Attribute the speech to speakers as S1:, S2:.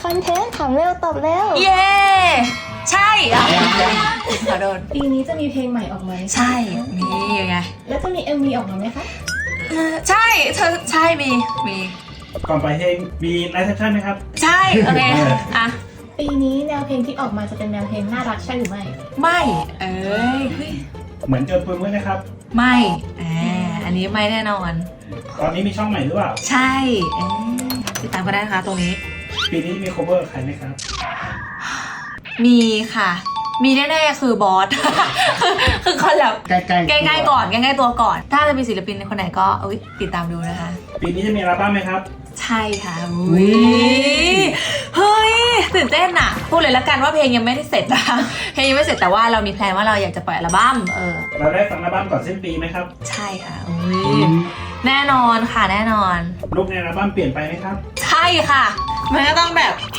S1: คอนเทนต์ถามเร็วตอบเร็ว
S2: เย้ใช่อ่ะขอโดน
S1: ปีนี้จะมีเพลงใหม่ออกมา
S2: ใช่มีไง
S1: แล้วจะมี MV ออกมาไหมคะ
S2: ใช่เธอใช่มี
S3: ก่อนไปเพลงมีไลฟ์เซสชั่นไหมครับ
S2: ใช่โอเคอ่ะ
S1: ปีนี้แนวเพลงที่ออกมาจะเป็นแนวเพลงน่ารักใช่หรือไม่
S2: ไม่เอ้ย
S3: เหมือนเจอปุยมุ้ยนะครับ
S2: ไม่อันนี้ไม่แน่นอน
S3: ตอนนี้มีช่องใหม่หรือเปล่า
S2: ใช่ติดตามก็ได้นะคะตรงนี้
S3: ปีนี้มี cover ใครไหมครับ
S2: มีค่ะ มีแน่ๆคือบอส คือคอนแบบ
S3: ใกล้ๆ
S2: ก่อนใกล้ๆตัวก่อน ถ้าจะมีศิลปินคนไหนก็ติดตามดูนะคะ
S3: ปีนี้จะมีอัลบั้มไหมครับ
S2: ใช่ค่ะอุ้ยเฮ้ยตื่นเต้นอะพูดเลยละกันว่าเพลงยังไม่ได้เสร็จนะ เพลงยังไม่เสร็จแต่ว่าเรามีแพลนว่าเราอยากจะปล่อยอัลบั้ม
S3: เราได้ฟังอัลบั้มก่อนสิ้นปีไหมครับ
S2: ใช่ค่ะอุ้ยแน่นอนค่ะแน่นอน
S3: ลุคในอัลบั้มเปลี่ยนไปไหมครับ
S2: ใช่ค่ะ มันก็ต้องแบบ